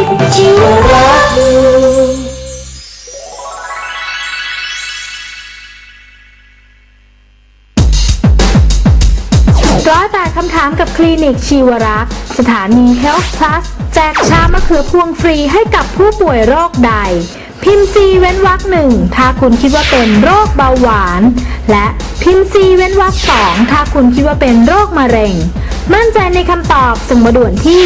ชีวรักษ์ 108 คำถามกับคลินิกชีวรักษ์สถานี Health Plus แจกชามะเขือพวงฟรีให้กับผู้ป่วยโรคใดพิมพ์ C เว้นวรรค1ถ้าคุณคิดว่าเป็นโรคเบาหวานและพิมพ์ C เว้นวรรค2ถ้าคุณคิดว่าเป็นโรคมะเร็งมั่นใจในคำตอบส่งมาด่วนที่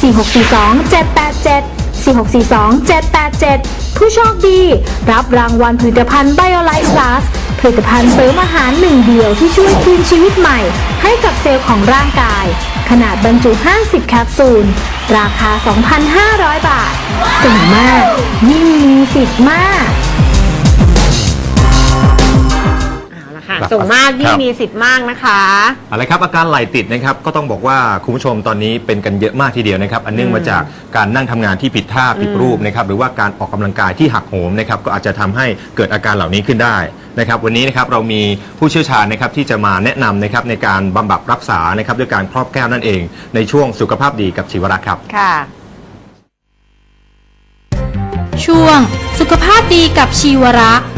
4642-787 ผู้โชคดีรับรางวัลผลิตภัณฑ์ BioLife Plus ผลิตภัณฑ์เสริมอาหารหนึ่งเดียวที่ช่วยคืนชีวิตใหม่ให้กับเซลล์ของร่างกายขนาดบรรจุ 50 แคปซูลราคา 2,500 บาทส่งมากยิ่งมีสิทธิ์มากส่งมากยิ่งมีสิทธิ์มากนะคะอะไรครับอาการไหล่ติดนะครับก็ต้องบอกว่าคุณผู้ชมตอนนี้เป็นกันเยอะมากทีเดียวนะครับอันเนื่องมาจากการนั่งทำงานที่ผิดท่าผิดรูปนะครับหรือว่าการออกกำลังกายที่หักโหมนะครับก็อาจจะทำให้เกิดอาการเหล่านี้ขึ้นได้นะครับวันนี้นะครับเรามีผู้เชี่ยวชาญนะครับที่จะมาแนะนำนะครับในการบำบัดรักษานะครับด้วยการครอบแก้วนั่นเองในช่วงสุขภาพดีกับชีวรักษ์ครับค่ะช่วงสุขภาพดีกับชีวรักษ์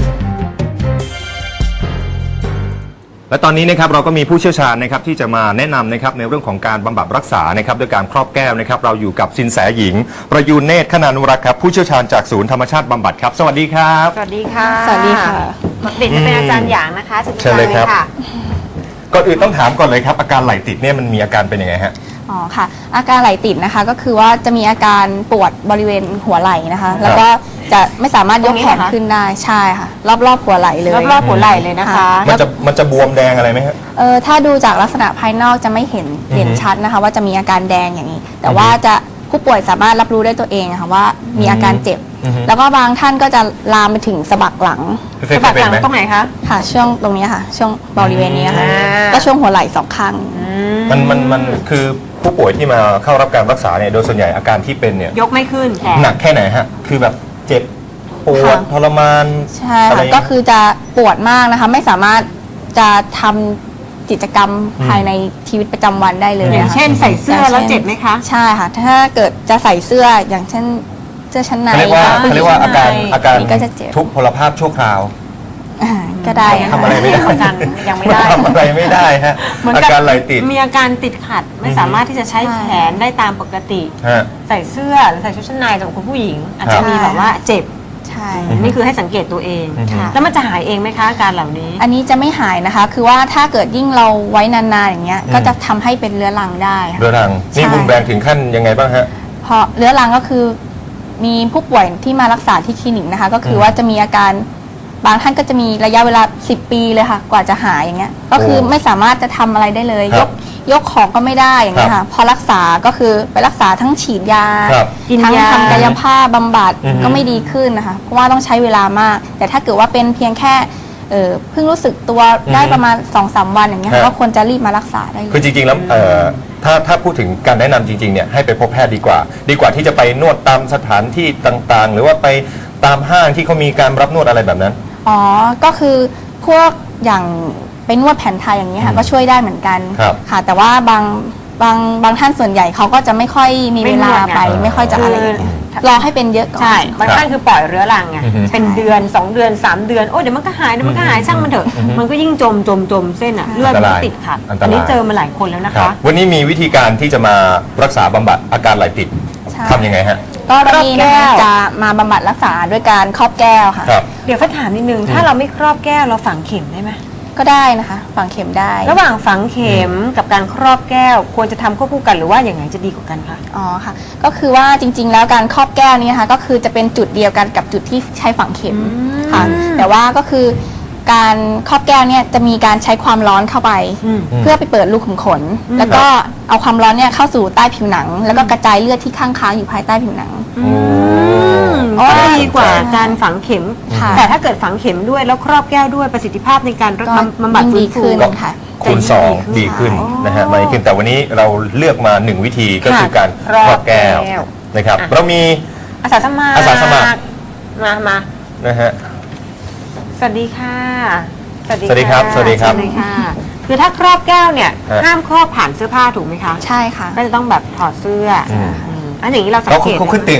และตอนนี้นะครับเราก็มีผู้เชี่ยวชาญนะครับที่จะมาแนะนำนะครับในเรื่องของการบำบัดรักษานะครับด้วยการครอบแก้วนะครับเราอยู่กับสินแสหญิงประยูนเนตรคณานุรักษ์ครับผู้เชี่ยวชาญจากศูนย์ธรรมชาติบำบัดครับสวัสดีครับสวัสดีค่ะสวัสดีค่ะเด็กจะเป็นอาจารย์หยางนะคะเชิญเลยครับก่อนอื่นต้องถามก่อนเลยครับอาการไหล่ติดเนี่ยมันมีอาการเป็นยังไงฮะอ๋อค่ะอาการไหล่ติดนะคะก็คือว่าจะมีอาการปวดบริเวณหัวไหล่นะคะแล้วก็จะไม่สามารถยกแขนขึ้นได้ใช่ค่ะรอบหัวไหล่เลยรอบหัวไหล่เลยนะคะมันจะบวมแดงอะไรไหมฮะถ้าดูจากลักษณะภายนอกจะไม่เห็นชัดนะคะว่าจะมีอาการแดงอย่างนี้แต่ว่าจะผู้ป่วยสามารถรับรู้ได้ตัวเองค่ะว่ามีอาการเจ็บแล้วก็บางท่านก็จะลามไปถึงสะบักหลังสะบักหลังตรงไหนคะค่ะช่วงตรงนี้ค่ะช่วงบริเวณนี้ค่ะก็ช่วงหัวไหล่สองข้างมันคือผู้ป่วยที่มาเข้ารับการรักษาเนี่ยโดยส่วนใหญ่อาการที่เป็นเนี่ยยกไม่ขึ้นหนักแค่ไหนฮะคือแบบเจ็บปวดทรมานใช่ค่ะก็คือจะปวดมากนะคะไม่สามารถจะทำกิจกรรมภายในชีวิตประจำวันได้เลยอย่างเช่นใส่เสื้อแล้วเจ็บไหมคะใช่ค่ะถ้าเกิดจะใส่เสื้ออย่างเช่นเสื้อชั้นในเขาเรียกว่าอาการทุพพลภาพชั่วคราวก็ได้ทำอะไรไม่ได้ยังไม่ได้ทำอะไรไม่ได้ฮะอาการไหล่ติดมีอาการติดขัดไม่สามารถที่จะใช้แขนได้ตามปกติใส่เสื้อหรือใส่ชุดชั้นในสำหรับคุณผู้หญิงอาจจะมีแบบว่าเจ็บใช่นี่คือให้สังเกตตัวเองแล้วมันจะหายเองไหมคะอาการเหล่านี้อันนี้จะไม่หายนะคะคือว่าถ้าเกิดยิ่งเราไว้นานๆอย่างเงี้ยก็จะทำให้เป็นเรื้อรังได้เรื้อรังนี่รุนแรงถึงขั้นยังไงบ้างฮะเพราะเรื้อรังก็คือมีผู้ป่วยที่มารักษาที่คลินิกนะคะก็คือว่าจะมีอาการบางท่านก็จะมีระยะเวลา10 ปีเลยค่ะกว่าจะหายอย่างเงี้ยก็คือไม่สามารถจะทำอะไรได้เลยยกของก็ไม่ได้อย่างเงี้ยค่ะพอรักษาก็คือไปรักษาทั้งฉีดยาทั้งทำกายภาพบำบัดก็ไม่ดีขึ้นนะคะเพราะว่าต้องใช้เวลามากแต่ถ้าเกิดว่าเป็นเพียงแค่เพิ่งรู้สึกตัวได้ประมาณ 2-3 วันอย่างเงี้ยก็ควรจะรีบมารักษาได้คือจริงๆแล้วถ้าพูดถึงการแนะนำจริงๆเนี่ยให้ไปพบแพทย์ดีกว่าที่จะไปนวดตามสถานที่ต่างๆหรือว่าไปตามห้างที่เขามีการรับนวดอะไรแบบนั้นอ๋อก็คือพวกอย่างไปนวดแผนไทยอย่างนี้ค่ะก็ช่วยได้เหมือนกันค่ะแต่ว่าบางท่านส่วนใหญ่เขาก็จะไม่ค่อยมีเวลาไปไม่ค่อยจะอะไรรอให้เป็นเยอะก่อนใช่บางท่านคือปล่อยเรื้อรังไงเป็นเดือน2 เดือน3 เดือนโอ้เดี๋ยวมันก็หายช่างมันเถอะมันก็ยิ่งจมเส้นอะเลือดมันติดขัดอันนี้เจอมาหลายคนแล้วนะคะวันนี้มีวิธีการที่จะมารักษาบำบัดอาการไหล่ติดทำยังไงฮะก็วันนี้นะคะจะมาบำบัดรักษาด้วยการครอบแก้วค่ะเดี๋ยวฟ้าถามนิดนึงถ้าเราไม่ครอบแก้วเราฝังเข็มได้ไหมก็ได้นะคะฝังเข็มได้ระหว่างฝังเข็มกับการครอบแก้วควรจะทำควบคู่กันหรือว่าอย่างไรจะดีกว่ากันคะอ๋อค่ะก็คือว่าจริงๆแล้วการครอบแก้วนี้นะคะก็คือจะเป็นจุดเดียวกันกับจุดที่ใช้ฝังเข็มค่ะแต่ว่าก็คือการครอบแก้วเนี่ยจะมีการใช้ความร้อนเข้าไปเพื่อไปเปิดรูขุมขนแล้วก็เอาความร้อนเนี่ยเข้าสู่ใต้ผิวหนังแล้วก็กระจายเลือดที่ค้างอยู่ภายใต้ผิวหนังก็ดีกว่าการฝังเข็มแต่ถ้าเกิดฝังเข็มด้วยแล้วครอบแก้วด้วยประสิทธิภาพในการบำบัดฟื้นฟูคูณ2ดีขึ้นนะฮะมาขึ้นแต่วันนี้เราเลือกมา1วิธีก็คือการครอบแก้วนะครับเรามีอาสาสมัครมานะฮะสวัสดีค่ะสวัสดีครับคือถ้าครอบแก้วเนี่ยห้ามครอบผ่านเสื้อผ้าถูกไหมคะใช่ค่ะก็จะต้องแบบถอดเสื้ออันอย่างนี้เราสังเกตเขาขึ้นเตียงเลยเหรอ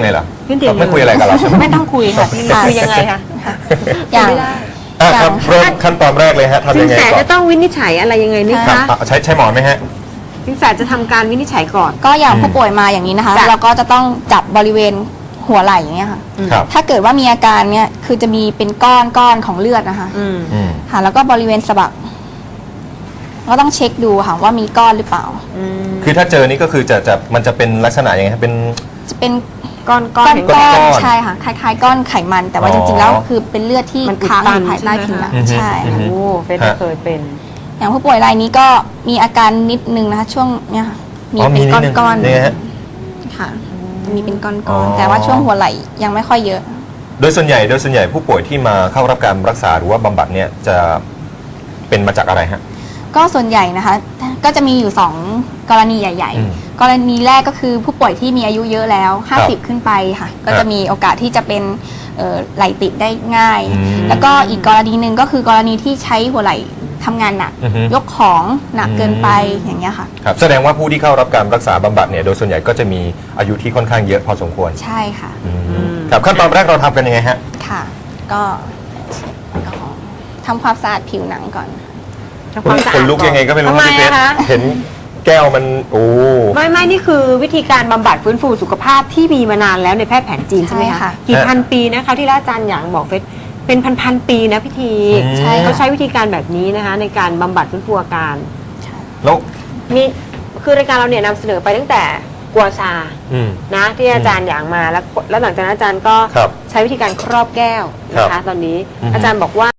ขึ้นเตียงไม่คุยอะไรกับเราใช่ไหมไม่ต้องคุยค่ะพี่คุยยังไงคะอย่างไม่ได้ครับเริ่มขั้นตอนแรกเลยฮะทำสิยันงไงแสก่อจะนต้องวินิจฉัยอะไรยังไงไหมครัคะบใช้หมอนไหมฮะสินแสจะทำการวินิจฉัยก่อนก็อย่างผู้ป่วยมาอย่างนี้นะคะจ้ะเราก็จะต้องจับบริเวณหัวไหล่อย่างเงี้ยค่ะครับถ้าเกิดว่ามีอาการเนี้ยคือจะมีเป็นก้อนของเลือดนะคะอืมอืมค่ะ แล้วก็บริเวณสะบักก็ต้องเช็คดูค่ะว่ามีก้อนหรือเปล่าอืมคือถ้าเจอนี่ก็คือมันจะเป็นลักษณะยังไงครับเป็นจะเป็นก้อนก้อนเห็นก้ก้ออน นใช่ค่ะคล้ายๆก้อนไขมัน แต่ว่าอ๋อจริงๆแล้วคือเป็นเลือดที่มันอุดค้างอตันยู่ภายใต้ผิวหนังใช่ใช่ไหมคะค่ะโอ้เฟซเคยเป็นอย่างผู้ป่วยรายนี้ก็มีอาการนิดนึงนะคะ ช่วงเนี้ยค่ะมีอ๋อเป็นนิดนึงก้อนเนี่ยฮะๆค่ะ มีเป็นก้อ๋ออนๆแต่ว่าช่วงหัวไหล่ยังไม่ค่อยเยอะโดยส่วนใหญ่ผู้ป่วยที่มาเข้ารับการรักษาหรือว่าบำบัดเนี่ยจะเป็นมาจากอะไรฮะก็ส่วนใหญ่นะคะ ก็จะมีอยู่ 2 กรณีใหญ่อืมๆ กรณีแรกก็คือผู้ป่วยที่มีอายุเยอะแล้วครับ 50 ขึ้นไปค่ะ ก็จะมีโอกาสที่จะเป็นไหลติดได้ง่ายอืมแล้วก็อีกกรณีหนึ่งก็คือกรณีที่ใช้หัวไหล่ทำงานหนักอือฮึยกของหนักเกินไปอย่างเงี้ยค่ะครับแสดงว่าผู้ที่เข้ารับการรักษาบำบัดเนี่ยโดยส่วนใหญ่ก็จะมีอายุที่ค่อนข้างเยอะพอสมควรใช่ค่ะครับขั้นตอนแรกเราทำกันยังไงฮะค่ะ ก็แอลกอฮอล์ทำความสะอาดผิวหนังก่อนทำความสะอาดคนลุกยังไงก็ไม่รู้ทำไมพี่เพชรอะคะเห็นแก้วมันโอ้ไม่นี่คือวิธีการบำบัดฟื้นฟูสุขภาพที่มีมานานแล้วในแพทย์แผนจีนใช่ไหมใช่คะค่ะกี่พันปีนะคะที่อาจารย์หยางบอกเฟซเป็นพันปีนะพิธีใช่ค่ะเขาใช้วิธีการแบบนี้นะคะ ในการบำบัดฟื้นฟูอาการแล้วมีคือรายการเราเนี่ยนำเสนอไปตั้งแต่กัวซาอืมนะที่อาจารย์หยางมาแล้วหลังจากนั้นอาจารย์ก็ครับใช้วิธีการครอบแก้วนะครัคะบตอนนี้อือฮึอาจารย์บอกว่า